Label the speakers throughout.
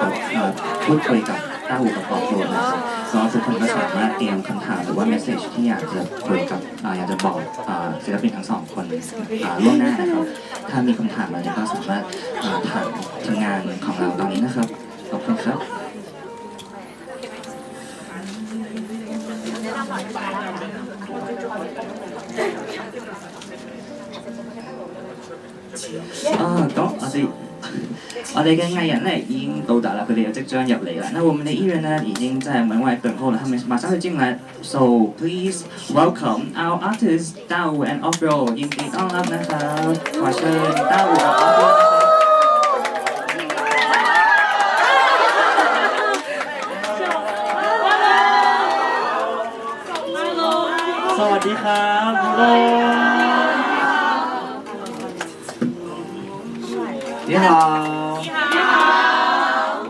Speaker 1: พูดคุยกับต้าอูกับปอโปรนะครับแล้วทุกคนก็สามารถเตรียมคำถามหรือว่าเมสเซจที่อยากจะคุยกับอยากจะบอกศิลปินทั้งสองคนล่วงหน้านะครับถ้ามีคำถามอะไรก็สามารถถามทีมงานของเราตอนนี้นะครับขอบคุณครับ咁我哋嘅藝人咧已經到達啦，佢哋又即將入嚟啦。那我們的藝人呢已經在門外等候了，他們馬上就進來。So please welcome our artists 大武 and Offro， ยินดีต้อนรับนะครับขอเชิญต้าอูกับ Offro นะครับสวัสดีครับ你好。你好。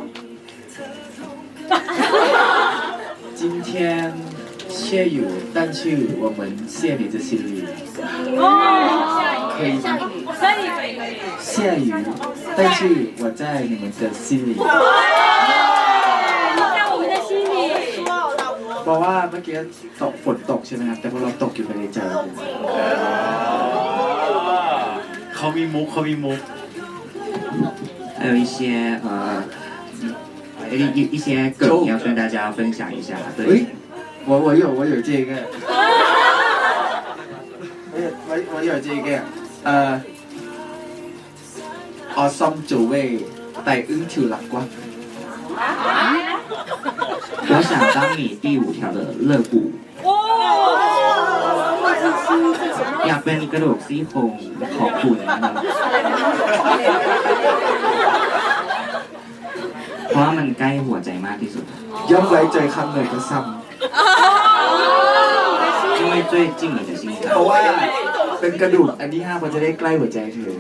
Speaker 2: 今天谢雨，但是我们谢你的心里。可以吗？谢雨，但是我在你们的心里。
Speaker 3: 在我们的心里。
Speaker 2: เพราะว่าเมื่อกี้ฝนตกใช่ไหมครับแต่พวกเราตกอยู่ในใจ
Speaker 4: เขามีมุก
Speaker 1: 还有一些梗要跟大家分享一下。对，
Speaker 2: 我有这个，我有这个awesome 九位带ứng條肋骨。
Speaker 1: 我想当你第5条的肋骨。อยากเป็นกระดูกซี่โครงของคุณนะครับเพราะว่ามันใกล้หัวใจมากที่สุด
Speaker 2: 因為最近你嘅心
Speaker 1: 因为最近你的心
Speaker 2: เพราะว่าเป็นกระดูกอันที่5มันจะได้ใกล้หัวใจเธอ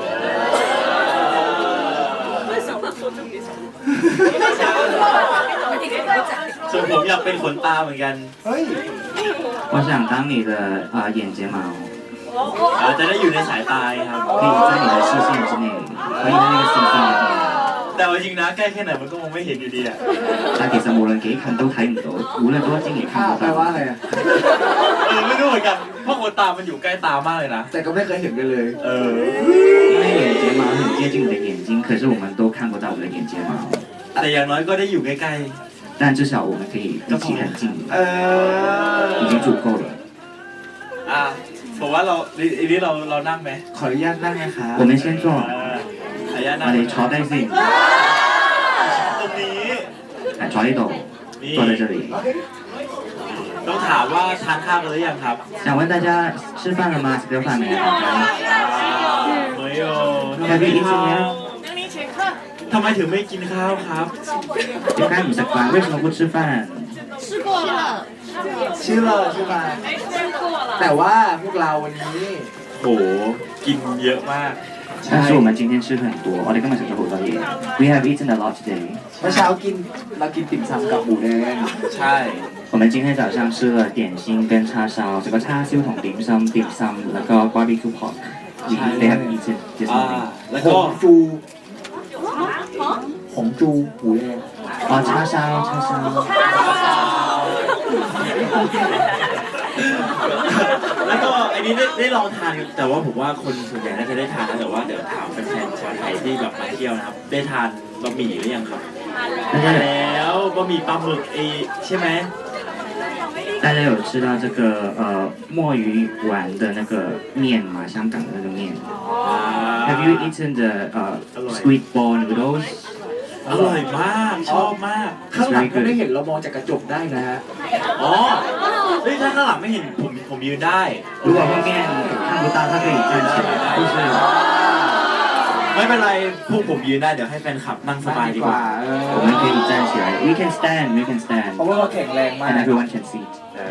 Speaker 4: ส่วนผมอยากเป็นขนตาเหมือนกัน
Speaker 1: 我想当你的眼睫毛
Speaker 4: จะได้อยู่ในสายตาครับ
Speaker 1: 可以在你的视线之内可以在那个星星里面
Speaker 4: แต่ว่าจริงนะใกล้แค่ไหนมันก็มองไม่เห็นอยู่ดีอ่ะ
Speaker 1: 但其實無論幾近都睇唔到無論多精亦看不到
Speaker 2: แปลว่าอะไรอ่ะ
Speaker 4: ไม่รู้เหมือนกันเพราะขนตามันอยู่ใกล้ตามากเลยนะ
Speaker 2: แต่ก็ไม่เคยเห็นกันเลย
Speaker 1: 因为眼睫毛很接近你的眼睛可是我们都看不到我们的眼睫毛
Speaker 4: แต่อย่างน้อยก็ได้อยู่ใกล้
Speaker 1: ๆ但至少我们可以一起很近已经足夠了
Speaker 4: ผมว่าเรานั่งไหม
Speaker 2: ขออนุญาตนั่งนะครับ
Speaker 1: 我们先坐
Speaker 4: 我
Speaker 1: 哋坐低先
Speaker 4: ตรงนี้
Speaker 1: 坐呢度坐在這裡
Speaker 4: ต้องถามว่าทานข้าวกันหรือยังครับ
Speaker 1: 想問大家吃飯了嗎食咗飯沒
Speaker 4: 沒有
Speaker 1: Have you eaten yet
Speaker 4: ทำไมถึงไม่กินข้าวครับ
Speaker 1: 點解唔食飯為什麼不吃飯
Speaker 3: 吃過了
Speaker 2: ชื่อเลยใช่ไหมแต่ว่าพวกเราวันนี้
Speaker 4: โหกินเยอะมาก
Speaker 1: 但是我們今天吃很多我哋今日食咗好多嘢 We have eaten a lot today
Speaker 2: เมื่อเช้าเรากินติ่มซำกับหมูแดง
Speaker 4: ใช่
Speaker 1: 我们今天早上吃了點心跟叉燒這個叉燒同點心แล้วก็ barbecue pork They have eaten this morning
Speaker 4: แล้วก็
Speaker 2: หงจูหมูแดง
Speaker 1: 叉燒
Speaker 4: แล้วก็อันนี้ได้ลองทานแต่ว่าผมว่าคนส่วนใหญ่น่าจะได้ทานนะแต่ว่าเดี๋ยวถามแฟนๆชาวไทยที่แบบมาเที่ยวนะครับได้ทานบะหมี่หรือยังครับแล้วบะหมี่ปลาหมึกใช่ไหม
Speaker 1: 大家有吃到这个墨鱼丸的那个面吗？香港的那个面。Have you eaten the squid ball noodles？
Speaker 4: อร่อยมากชอบมาก
Speaker 2: ข้างหลังก็ไม่เห็นเรามองจากกระจกได้นะฮะ
Speaker 4: ถ้าข้างหลังไม่เห็นผมยืนได้
Speaker 1: 如果后面看不到他可以站起来就是
Speaker 4: ไม่เป็นไรพวกผมยืนได้เดี๋ยวให้แฟนคลับนั่งสบายดีกว่า
Speaker 1: 我们可以站起来 We can stand
Speaker 2: เพราะว่าเราแข็งแรงมาก
Speaker 1: and everyone can sit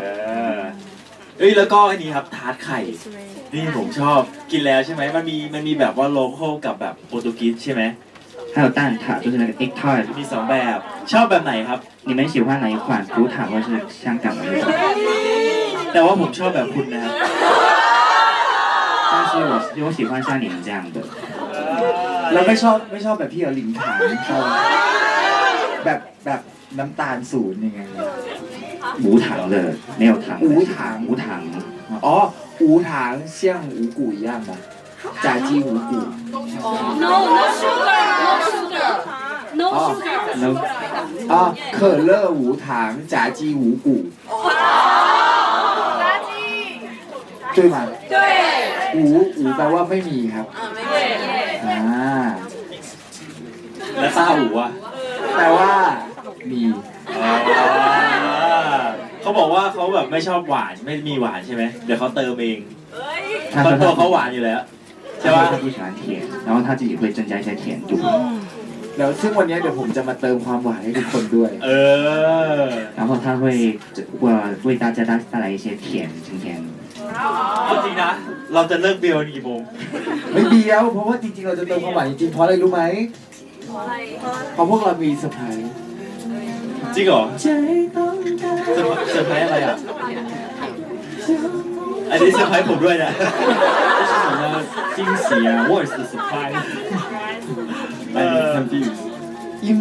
Speaker 4: แล้วก็อันนี้ครับทาร์ตไข่นี่ผมชอบกินแล้วใช่ไหมมันมีแบบว่าโลคอลกับแบบโปรตุเกสใช่ไหม
Speaker 1: 还有蛋挞就是那个 egg tart
Speaker 4: มี2แบบชอบแบบไหนครับ
Speaker 1: 你们喜欢哪一款fruit塔或是香港的那种
Speaker 4: แต่ว่าผมชอบแบบคุณนะครับ
Speaker 1: 但是我喜欢像你们这样的
Speaker 2: แล้วไม่ชอบแบบพี่หลิงขานชอบแบบน้ำตาลศูนย์ยังไง
Speaker 1: 无糖的，没有糖的。
Speaker 2: 无糖
Speaker 1: 无糖。
Speaker 2: อ๋อ无糖像五谷一样吗炸鸡五谷
Speaker 3: No sugar No sugar
Speaker 1: No。
Speaker 2: 啊可乐无糖炸鸡五谷对吗
Speaker 3: 对
Speaker 2: 五แปลว่าไม่มีครับอ่า
Speaker 4: แล้วซาอูอ่ะ
Speaker 2: แปลว่ามี
Speaker 4: เขาบอกว่าเขาแบบไม่ชอบหวานไม่มีหวานใช่ไหมเดี๋ยวเขาเติมเอง
Speaker 1: 他
Speaker 4: เพราะ
Speaker 1: 说
Speaker 4: ตัว
Speaker 1: 他
Speaker 4: เขาหวานอยู่แล้ว
Speaker 1: 他
Speaker 4: ใช่
Speaker 1: 说
Speaker 4: ปะ
Speaker 1: 他不喜欢甜，然后他自己会增加一些甜度。
Speaker 2: แล้วซึ่งวันนี้เดี๋ยวผมจะมาเติมความหวานให้ทุกคนด้วย
Speaker 4: เออ
Speaker 1: 然后他会为大家带来一些甜，今天。
Speaker 4: เอาจริงนะ เราจะเลิกเบลกี่โมง
Speaker 2: ไม่เดียวเพราะว่าจริงๆเราจะเติมความหวานจริงๆเพราะอะไรรู้ไหมเพราะพวกเรามีเซอร์ไพรส์
Speaker 4: จริงเหรอเซอร์ไพรส์อะไรอ่ะ อันนี้เซอร์ไพรส์ผมด้วยนะ
Speaker 5: 这是什么惊喜啊？What is the surprise? I'm confused.
Speaker 2: 因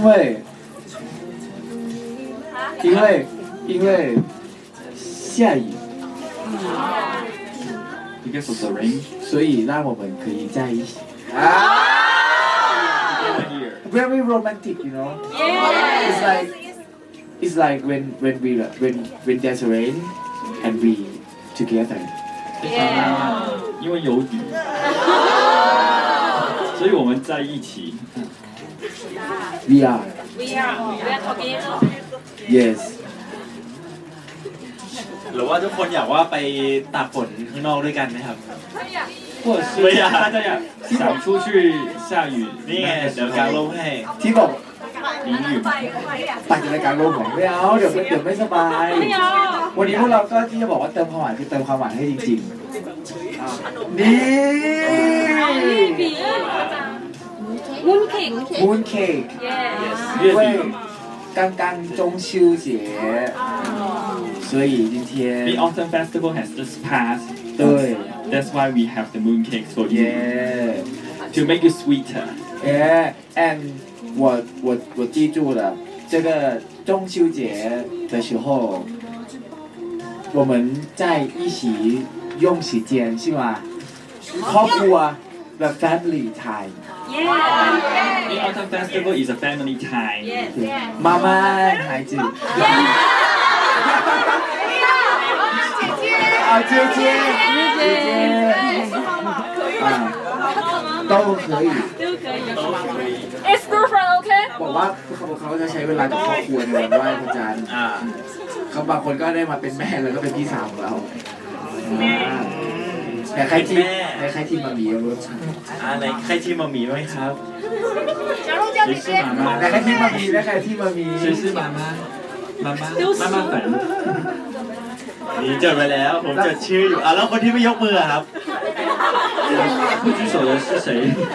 Speaker 2: 为下雨
Speaker 5: Because of the rain.
Speaker 2: 所以让我们可以在一起
Speaker 5: Here.
Speaker 2: very romantic you know it's like when there's rain and we together
Speaker 5: 因为有雨，所以我们在一起。
Speaker 2: we are
Speaker 3: We are together
Speaker 2: yes
Speaker 4: หรือว่าทุกคนอยากว่าไปตากฝนข้างนอกด้วยกันไหมครับ
Speaker 5: 或者是大家想出去下雨
Speaker 4: นี่ไง
Speaker 5: 那个时
Speaker 4: เดี๋ยวกาง
Speaker 5: 候
Speaker 4: ร่มให้
Speaker 2: ที่บอก
Speaker 5: 淋雨。
Speaker 2: ปั่นจักรยานโลกของไม่เอาเดี๋ยวไม่สบาย
Speaker 3: ไม่เอา
Speaker 2: วันนี้พวกเราก็ที่จะบอกว่าเติมความหวานคือเติมความหวานให้จริงๆนี่
Speaker 3: 比 Mooncake
Speaker 2: moon cake
Speaker 3: Yes
Speaker 2: 因为刚刚中秋节所以今
Speaker 5: The
Speaker 2: 天
Speaker 5: autumn festival has just passed.
Speaker 2: 对
Speaker 5: That's why we have the moon cakes for you
Speaker 2: yeah
Speaker 5: to make it sweeter.
Speaker 2: yeah and 我记住了这个中秋节的时候我们在一起用时间是吗ครอบครัวแบบ family time
Speaker 5: The autumn festival is a family time.
Speaker 2: 妈妈孩子啊姐姐啊都可以
Speaker 3: It's girlfriend okay
Speaker 2: บอกว่าเขาจะใช้เวลากับครอบครัวในวันไหว้พระจันทร์
Speaker 4: อ่า
Speaker 2: เขาบางคนก็ได้มาเป็นแม่แล้วก็เป็นพี่สาวของเราแต่ใครที่มามีรสชาติ
Speaker 4: ไหนใครที่มามีไหมครับ
Speaker 5: 谁是妈妈？
Speaker 2: แต่ใครที่มามีและใครที่มามี
Speaker 5: 谁是妈妈？妈妈，妈妈粉。
Speaker 4: นี่จดไว้แล้ว ผมจดชื่ออยู่แล้วคนที่ไม่ยกมือครับ
Speaker 5: 不举手的是谁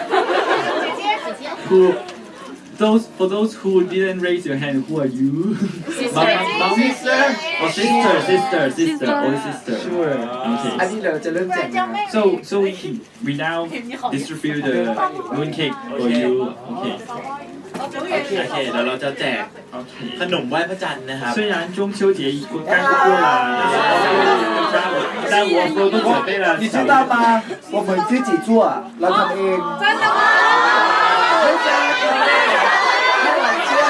Speaker 5: ？Who? For those who didn't raise your hand, who are you? Mom, sister, or sister, only sister.
Speaker 2: Sure.
Speaker 5: Okay.
Speaker 2: อันนี้เราจะเริ่มแจกนะครับ
Speaker 5: So we now distribute the moon cake for you. Okay.
Speaker 4: โอเคเดี๋ยวเราจะแจกขนมไหว้พระจันทร์นะครับ
Speaker 5: 虽然中秋节刚过了，但我们都准备了
Speaker 2: 你知道吗我们自己做เราทำเอง真的吗ไม่ใช่ไม่หวังเชื่อก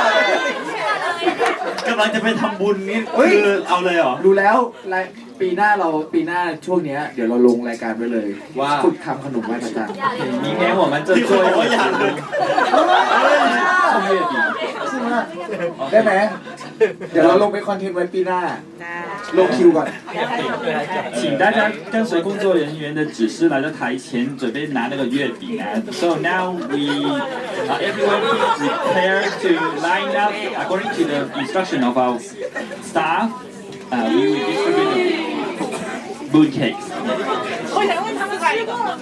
Speaker 4: ำลังจะไปทำบุญนี่คือเอาเลยเหรอ
Speaker 2: รู้แล้วปีหน้าช่วงเนี้ยเดี๋ยวเราลงรายการไว้เลย
Speaker 4: ว่า
Speaker 2: ฝึกทำขนมไหว้พระจันทร์
Speaker 5: 明天我们就
Speaker 4: ที่
Speaker 5: 做
Speaker 4: คน
Speaker 5: 一
Speaker 4: บอกว่าอยาก
Speaker 5: 个
Speaker 4: ดู
Speaker 5: 送月饼。
Speaker 2: ใช่ไหมได้ไหมเดี๋ยวเราลงไปคอนเทนต์ไว้ปีหน้าลงคิวก่อน
Speaker 5: 请大家跟随工作人员的指示来到台前，准备拿那个月饼啊。So now everyone please prepare to line up according to the instruction of our staff. We will distribute the moon cakes.
Speaker 3: 我想问他们吃过了